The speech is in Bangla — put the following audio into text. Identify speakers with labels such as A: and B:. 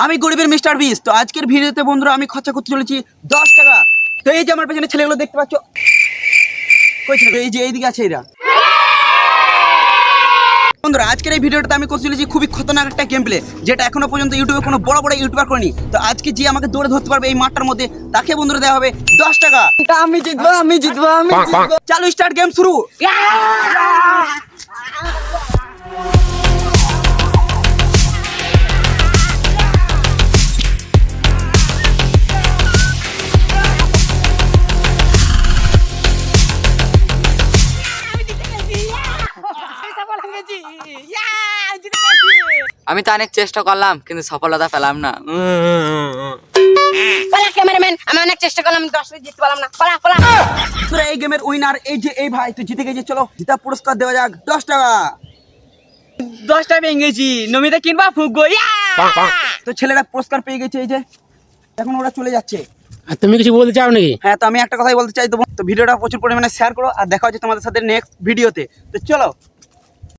A: আমি গরিবের মিস্টার বিস। তো আজকের ভিডিওতে বন্ধুরা আমি খরচা করতে চলেছি 10 টাকা। তো এই যে আমার পেছনে ছেলেগুলো দেখতে পাচ্ছ, কই ছেলে? এই যে এইদিকে আছে এরা। বন্ধুরা আজকের এই ভিডিওটাতে আমি করতে চলেছি খুবই খতরনাক একটা গেম প্লে, যেটা এখনো পর্যন্ত ইউটিউবে কোনো বড় বড় ইউটিউবার করেনি। তো আজকে যে আমাকে দৌড়ে ধরতে পারবে এই মাঠটার মধ্যে, তাকে বন্ধুরা দেওয়া হবে 10 টাকা।
B: আমি জিতবো, আমি জিতবো, আমি জিতবো।
A: চালু, স্টার্ট, গেম শুরু।
B: আমি তো অনেক চেষ্টা করলাম কিন্তু সফলতা পেলাম না।
C: পালা ক্যামেরাম্যান, আমি অনেক চেষ্টা করলাম 10 মিনিট জিততে পারলাম না। পালা পালা।
A: তোরা এই গেমের উইনার এই যে এই ভাই, তুই জিতে গেছিস। চলো জিতা পুরস্কার দেওয়া যাক 10 টাকা।
B: 10টা পেয়ে গেছি, নমিতা কিনবা ফুগো।
A: তো ছেলেরা পুরস্কার পেয়ে গেছে, এই যে এখন ওরা চলে যাচ্ছে।
D: আর তুমি কিছু বলতে চাও নাকি?
A: হ্যাঁ, তো আমি একটা কথাই বলতে চাই। তো ভিডিওটা প্রচুর পরিমাণে শেয়ার করো, আর দেখা হচ্ছে তোমাদের সাথে নেক্সট ভিডিওতে। তো চলো।